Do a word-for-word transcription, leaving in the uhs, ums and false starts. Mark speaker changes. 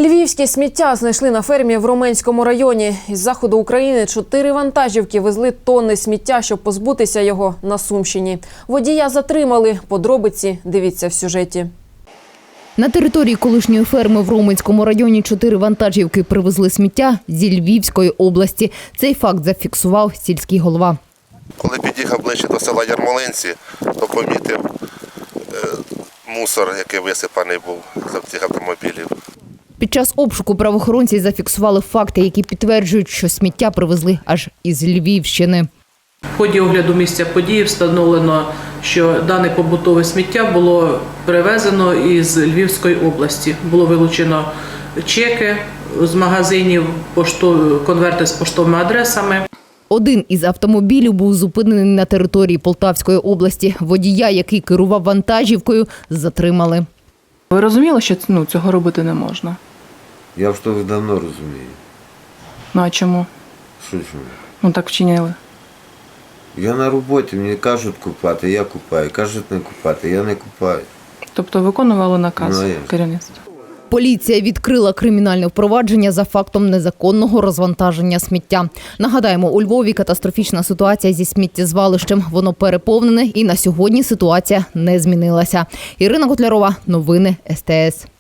Speaker 1: Львівське сміття знайшли на фермі в Роменському районі. Із заходу України чотири вантажівки везли тонни сміття, щоб позбутися його на Сумщині. Водія затримали. Подробиці дивіться в сюжеті.
Speaker 2: На території колишньої ферми в Роменському районі чотири вантажівки привезли сміття зі Львівської області. Цей факт зафіксував сільський голова.
Speaker 3: Коли під'їхав ближче до села Ярмолинці, то помітив е, мусор, який висипаний був з цих автомобілів.
Speaker 2: Під час обшуку правоохоронці зафіксували факти, які підтверджують, що сміття привезли аж із Львівщини.
Speaker 4: В ході огляду місця події встановлено, що дане побутове сміття було привезено із Львівської області. Було вилучено чеки з магазинів, пошту, конверти з поштовими адресами.
Speaker 2: Один із автомобілів був зупинений на території Полтавської області. Водія, який керував вантажівкою, затримали.
Speaker 4: Ви розуміли, що ну, цього робити не можна?
Speaker 5: Я вже давно розумію.
Speaker 4: Ну а чому?
Speaker 5: Що чому?
Speaker 4: Ну так вчинили.
Speaker 5: Я на роботі, мені кажуть купати, я купаю. Кажуть не купати, я не купаю.
Speaker 4: Тобто виконували наказ
Speaker 5: Ну, а як?
Speaker 4: керівництва?
Speaker 2: Поліція відкрила кримінальне впровадження за фактом незаконного розвантаження сміття. Нагадаємо, у Львові катастрофічна ситуація зі сміттєзвалищем. Воно переповнене і на сьогодні ситуація не змінилася. Ірина Котлярова, новини ес те ес.